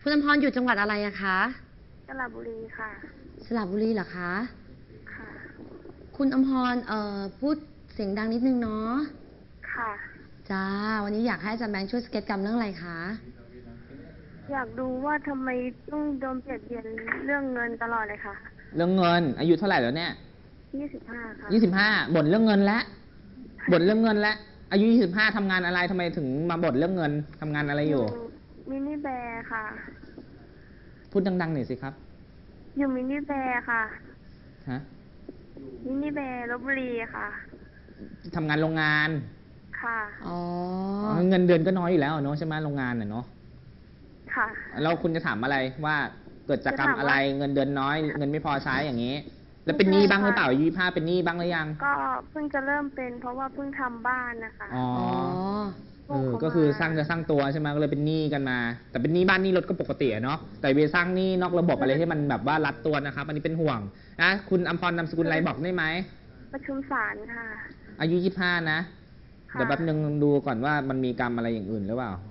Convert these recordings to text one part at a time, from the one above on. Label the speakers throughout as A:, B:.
A: คุณอมพรอยู่จังหวัดอะไรอะคะ
B: สระบุรีค่ะ
A: สระบุรีเหรอคะ
B: ค่ะ
A: คุณอมพรพูดเสียงดังนิดนึงเนาะ
B: ค่ะ
A: จ้าวันนี้อยากให้อาจารย์แบงค์ช่วยสเก็ตกรรมเรื่องอะไรคะ
B: อยากดูว่าทำไมต้องโดนเบียดเบียนเรื่องเงินตลอดเลยค่ะ
C: เรื่องเงินอายุเท่าไหร่แล้วเนี่ย
B: 25ค่ะ
C: 25บ่นเรื่องเงินแล้วบ่นเรื่องเงินแล้วอายุ25ทำงานอะไรทำไมถึงมาบ่นเรื่องเงินทำงานอะไรอยู่
B: มินิแบร์ค่ะ
C: พูดดังๆหน่อยสิครับ
B: อยู่มินิแบร์ค่ะ
C: ฮะ
B: มินิแบร์ลพบุรีค่ะ
C: ทำงานโรงงาน
B: ค่ะ
A: อ๋อ
C: เงินเดือนก็น้อยอยู่แล้วเนาะใช่ไหมโรงงานเนาะ
B: ค่ะ
C: แล้วคุณจะถามอะไรว่าเกิดจากกรรมอะไรเงินเดือนน้อยเงินไม่พอใช้อย่างนี้แล้วเป็นหนี้บ้างหรือเปล่าอายุ25เป็นหนี้บ้างหรือยัง
B: ก็เพิ่งจะเริ่มเป็นเพราะว่าเพิ่งทำบ้านนะคะ
C: อ๋อก็คือสร้างตัวใช่ไหมก็เลยเป็นหนี้กันมาแต่เป็นหนี้บ้านหนี้รถก็ปกติเนาะแต่ไปสร้างหนี้นอกระบบอะไรที่มันแบบว่ารัดตัวนะครับอันนี้เป็นห่วงนะคุณอมพรนามสกุลอะไรบอกได้ไหม
B: ประชุมศาลค่ะ
C: อายุ25นะเดี๋ยวแป๊บนึงดูก่อนว่ามันมีกรรมอะไรอย่างอื่นหรือเปล่า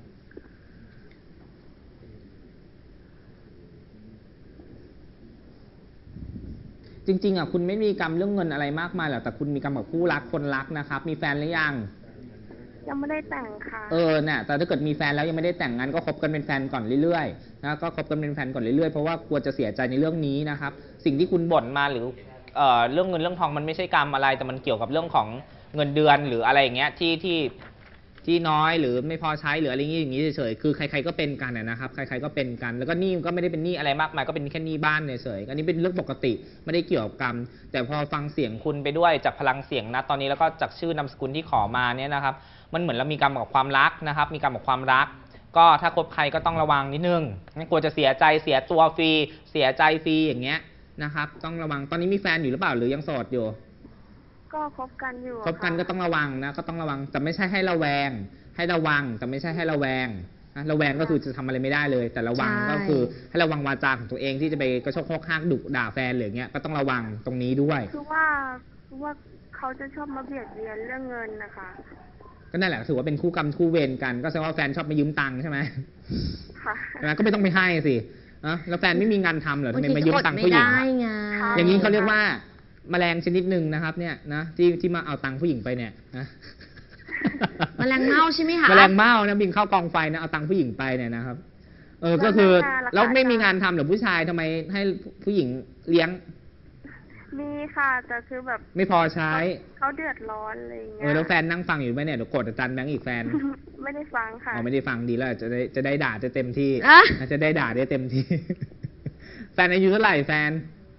C: จริงๆคุณไม่มีกรรมเรื่องเงินอะไรมากมายหรอกแต่คุณมีกรรมกับคู่รักคนรักนะครับมีแฟนหรือยัง
B: ยังไม่ได้แต่งค่ะ
C: เนี่ยแต่ถ้าเกิดมีแฟนแล้วยังไม่ได้แต่งงานก็คบกันเป็นแฟนก่อนเรื่อยๆนะก็คบกันเป็นแฟนก่อนเรื่อยๆเพราะว่ากลัวจะเสียใจในเรื่องนี้นะครับสิ่งที่คุณบ่นมาหรือเรื่องเงินเรื่องทองมันไม่ใช่กรรมอะไรแต่มันเกี่ยวกับเรื่องของเงินเดือนหรืออะไรอย่างเงี้ยที่น้อยหรือไม่พอใช้หรืออะไรอย่างนี้เฉยๆคือใครๆก็เป็นกันนะครับใครๆก็เป็นกันแล้วก็หนี้ก็ไม่ได้เป็นหนี้อะไรมากมายก็เป็นแค่หนี้บ้านเฉยๆอันนี้เป็นเรื่องปกติไม่ได้เกี่ยวกับกรรมแต่พอฟังเสียงคุณไปด้วยจากพลังเสียงนะตอนนี้แล้วก็จากชื่อนามสกุลที่ขอมาเนี่ยนะครับมันเหมือนเรามีกรรมกับความรักนะครับมีกรรมกับความรักก็ถ้าคบใครก็ต้องระวังนิดนึงไม่ควรจะเสียใจเสียตัวฟรีเสียใจฟรีอย่างเงี้ยนะครับต้องระวังตอนนี้มีแฟนอยู่หรือเปล่าหรือยังโสดอยู่
B: ก็คบกันอยู่
C: คบกันก็ต้องระวังนะก็ต้องระวังแต่ไม่ใช่ให้ระแวงให้ระวังแต่ไม่ใช่ให้ระแวงนะระแวงก็คือจะทำอะไรไม่ได้เลยแต่ระวังก็คือให้ระวังวาจาของตัวเองที่จะไปกระโชกโคกห้างดุด่าแฟนหรือเงี้ยก็ต้องระวังตรงนี้ด้วย
B: คือว่าเขาจะชอบมาเบียดเบียนเรื่องเงินนะคะ
C: ก็นั่นแหละถือว่าเป็นคู่กรรมคู่เวรกันก็แสดงว่าแฟนชอบมายืมตังค์ใช่ไหมค่ะนะก็ไม่ต้องไปให้สินะแล้วแฟนไม่มีงานทำเหรอทำไมมายืมตังค์ผู้หญิงอย่างนี้เขาเรียกว่าแมลงชนิดหนึ่งนะครับเนี่ยนะที่มาเอาตังค์ผู้หญิงไปเนี่ยนะ
A: แมลงเม่าใช่ไหมคะ
C: แมลงเม่านะบินเข้ากองไฟนะเอาตังค์ผู้หญิงไปเนี่ยนะครับก็คือแล้วไม่มีงานทำหรือผู้ชายทำไมให้ผู้หญิงเลี้ยง
B: มีค่ะแต่คือแบบ
C: ไม่พอใช้
B: เขาเดือดร้อนอะไรอย่างเงี้ย
C: แล้วแฟนนั่งฟังอยู่ไหมเนี่ยเดี๋ยวกดอาจารย์แบงค์อีกแฟน
B: ไม่ได้ฟังค่ะ
C: ไม่ได้ฟังดีแล้วจะได้ด่าจะเต็มที่จะได้ด่าได้เต็มที่แฟนอายุเท่าไหร่แฟน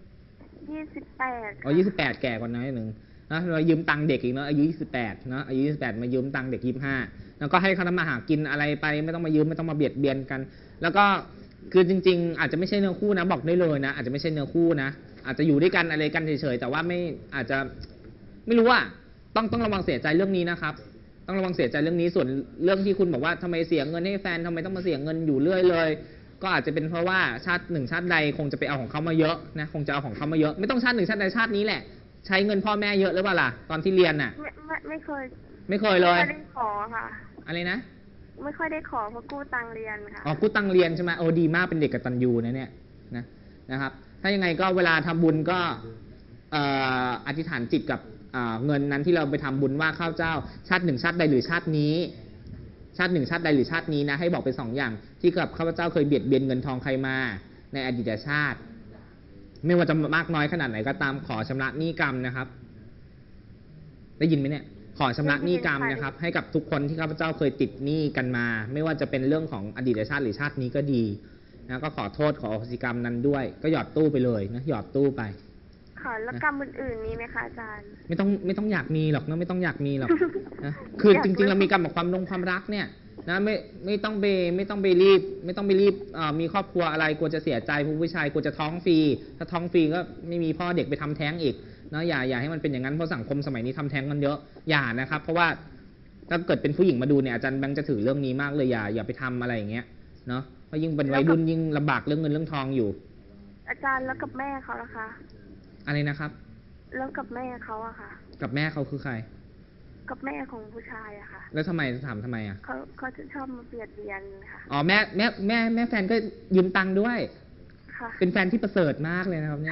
B: 28
C: 28แก่กว่าน้อยหนึ่งนะเรายืมตังค์เด็กอีกเนาะอายุ28นะอายุ28มายืมตังค์เด็ก25แล้วก็ให้เขาทำมาหากินอะไรไปไม่ต้องมายืมไม่ต้องมาเบียดเบียนกันแล้วก็คือจริงๆอาจจะไม่ใช่เนื้อคู่นะบอกได้เลยนะอาจจะไม่ใช่เนื้อคู่นะอาจจะอยู่ด้วยกันอะไรกันเฉยๆแต่ว่าไม่อาจจะไม่รู้ว่าต้องระวังเสียใจเรื่องนี้นะครับต้องระวังเสียใจเรื่องนี้ส่วนเรื่องที่คุณบอกว่าทำไมเสียเงินให้แฟนทำไมต้องมาเสียเงินอยู่เรื่อยเลยก็อาจจะเป็นเพราะว่าชาติหนึ่งชาติใดคงจะไปเอาของเขามาเยอะนะคงจะเอาของเขามาเยอะไม่ต้องชาติหนึ่งชาติใดชาตินี้แหละใช้เงินพ่อแม่เยอะหรือเปล่าล่ะตอนที่เรียนน่ะ
B: ไม่เคย
C: เลย
B: ไม่ได้ขอค่ะ
C: อะไรนะ
B: ไม่ค่อยได้ขอเพราะกู้ตังเรียนค่ะ
C: กู้ตังเรียนใช่ไหมดีมากเป็นเด็กกตัญญูนะเนี่ยนะครับถ้ายังไงก็เวลาทำบุญก็อธิษฐานจิตกับเงินนั้นที่เราไปทำบุญว่าข้าเจ้าชาติหนึ่งชาติใดหรือชาตินี้ชาติหนึ่งชาติใดหรือชาตินี้นะให้บอกเป็น2 อย่างที่กับข้าพเจ้าเคยเบียดเบียนเงินทองใครมาในอดีตชาติไม่ว่าจะมากน้อยขนาดไหนก็ตามขอชำระหนี้กรรมนะครับได้ยินไหมเนี่ยขอชำระหนี้กรรมนะครับให้กับทุกคนที่ข้าพเจ้าเคยติดหนี้กันมาไม่ว่าจะเป็นเรื่องของอดีตชาติหรือชาตินี้ก็ดีนะก็ขอโทษขออโหสิกรรมนั้นด้วยก็หยอดตู้ไปเลยนะหยอดตู้ไป
B: ค่ะแล้วกรรมอื่นๆมีไหมคะอาจารย์
C: ไม่ต้องอยากมีหรอกนะไม่ต้องอยากมีหรอกนะคือจริงๆเรามีกรรมกับความรักเนี่ยนะไม่ต้องไปรีบมีครอบครัวอะไรกลัวจะเสียใจผู้ชายกลัวจะท้องฟรีถ้าท้องฟรีก็ไม่มีพ่อเด็กไปทำแท้งอีกนะอย่าให้มันเป็นอย่างนั้นเพราะสังคมสมัยนี้ทำแท้งกันเยอะอย่านะครับเพราะว่าถ้าเกิดเป็นผู้หญิงมาดูเนี่ยอาจารย์แบงค์จะถือเรื่องนี้มากเลยอย่าไปทำอะไรอย่างเงี้ยเนาะเพราะยิ่งเป็นวัยรุ่นยิ่งลำบากเรื่องเงินเรื่องทองอยู่
B: อาจารย์แล้วกับแม่เขาล่ะคะ
C: อะไรนะครับ
B: แล้วกับแม่เขาอะค่ะ
C: กับแม่เขาคือใคร
B: กับแม่ของผู้ชายอะค่ะ
C: แล้วทำไมถามทำไมอ่ะ
B: เขาจะชอบมาเบียดเบียนค่ะ
C: อ๋อแม่แฟนก็ยืมตังค์ด้วย
B: ค่ะ
C: เป็นแฟนที่ประเสริฐมากเลยนะครับเนี่ย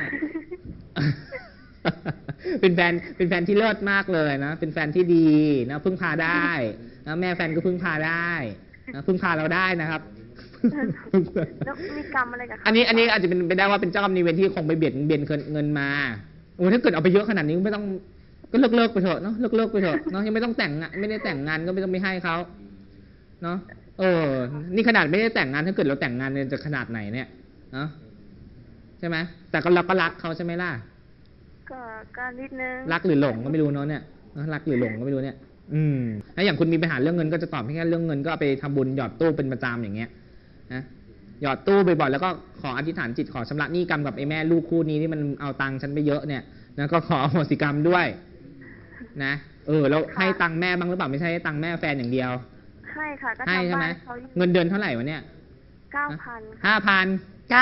C: เป็นแฟนที่เลิศมากเลยนะ เป็นแฟนที่ดีนะพึ่งพาได้นะแม่แฟนก็พึ่งพาได้นะพึ่งพาเราได้นะครับ
B: แล้วมีกรรมอะไรกับเขา
C: อันนี้อาจจะเป็นไปได้ว่าเป็นเจ้ากรรมนายเวรที่คงไปเบียดเงินมาโอ้ถ้าเกิดเอาไปเยอะขนาดนี้ไม่ต้องก็เลิกไปเถอะเนาะเลิกไปเถอะเนาะยังไม่ต้องแต่งงานไม่ได้แต่งงานก็ไม่ต้องไปให้เขาเนาะนี่ขนาดไม่ได้แต่งงานถ้าเกิดเราแต่งงานเนี่ยจะขนาดไหนเนี่ยเนาะใช่ไหมแต่ก็เราก็รักเขาใช่ไหมล่ะ
B: ก็นิดนึง
C: รักหรือหลงก็ไม่รู้เนาะเนี่ยรักหรือหลงก็ไม่รู้เนี่ยแล้วอย่างคุณมีปัญหาเรื่องเงินก็จะตอบแค่เรื่องเงินก็เอาไปทำบุญหยอดตู้เป็นประจำอย่างเงี้ยนะหยอดตู้บ่อยๆแล้วก็ขออธิษฐานจิตขอชำระหนี้กรรมกับไอ้แม่ลูกคู่นี้ที่มันเอาตังค์ฉันไปเยอะเนี่ยนะก็ขออโหสิกรรมด้วยนะแล้วให้ตังค์แม่บ้างหรือเปล่าไม่ใช่ให้ตังค์แม่แฟนอย่างเดียว
B: ให้ค่ะก็
C: ให้
B: ทำ
C: ใช่ไหม
B: บ้านเขาอยู่
C: เงินเดือนเท่าไหร่วะเนี่ย
B: 9,000
C: 5,000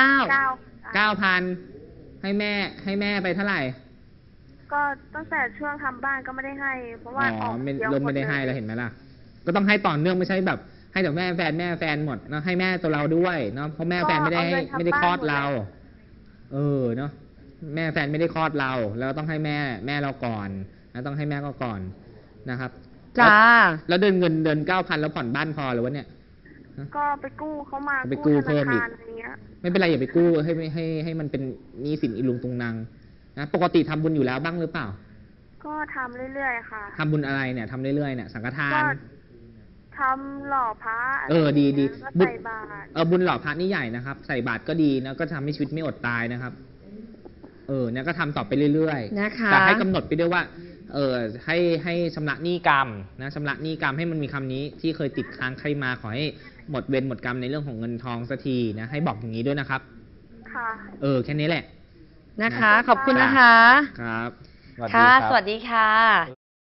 C: 9,000ให้แม่ไปเท่าไหร่
B: ก็ตั้งแต่ช่วงทำบ้านก็ไม่ได้ให้ เพราะว่าออก
C: เริ่มไม่ได้ให้แล้วเห็นไหมล่ะก็ต้องให้ต่อเนื่องไม่ใช่แบบ ให้แต่แม่แฟนหมดเนาะให้แม่ตัวเราด้วยเนาะเพราะแม่แฟนไม่ได้คลอดเราเนาะแม่แฟนไม่ได้คลอดเราแล้วต้องให้แม่เราก่อนนะต้องให้แม่ก็ก่อนนะครับ
A: จ้า
C: แล้วเดือน 9,000 แล้วผ่อนบ้านพอหรือวะเนี่ย
B: ก็ไปกู้เขามา
C: ไปกู้
B: ธ
C: เพิ่ม
B: นา
C: อีก
B: คารอะไรเงี้ย
C: ไม่เป็นไรอย่าไปกู้ให้มันเป็นหนี้สินอีลุงตุงนางนะปกติทำบุญอยู่แล้วบ้างหรือเปล่า
B: ก็ทำเรื่อยๆค่ะ
C: ทำบุญอะไรเนี่ยทำเรื่อยๆเนี่ยสังฆทาน
B: ก็ทำหล่อพระ
C: ดี
B: ก็
C: บุญ
B: ใส่บาตร
C: บุญหล่อพระนี่ใหญ่นะครับ ใส่บาตรก็ดีนะก็ทำให้ชีวิตไม่อดตายนะครับเนี่ยก็ทำต่อไปเรื่อยๆ
A: นะคะ
C: แต่ให้กำหนดไปด้วยว่าให้ชำระหนี้กรรมนะชำระหนี้กรรมให้มันมีคำนี้ที่เคยติดค้างใครมาขอให้หมดเวรหมดกรรมในเรื่องของเงินทองสักทีนะให้บอกอย่างนี้ด้วยนะครับ
B: ค่ะ
C: แค่นี้แหละ
A: นะคะ ขอบคุณนะคะ
C: ครับ
A: ค่ะ สวัสดีค่ะ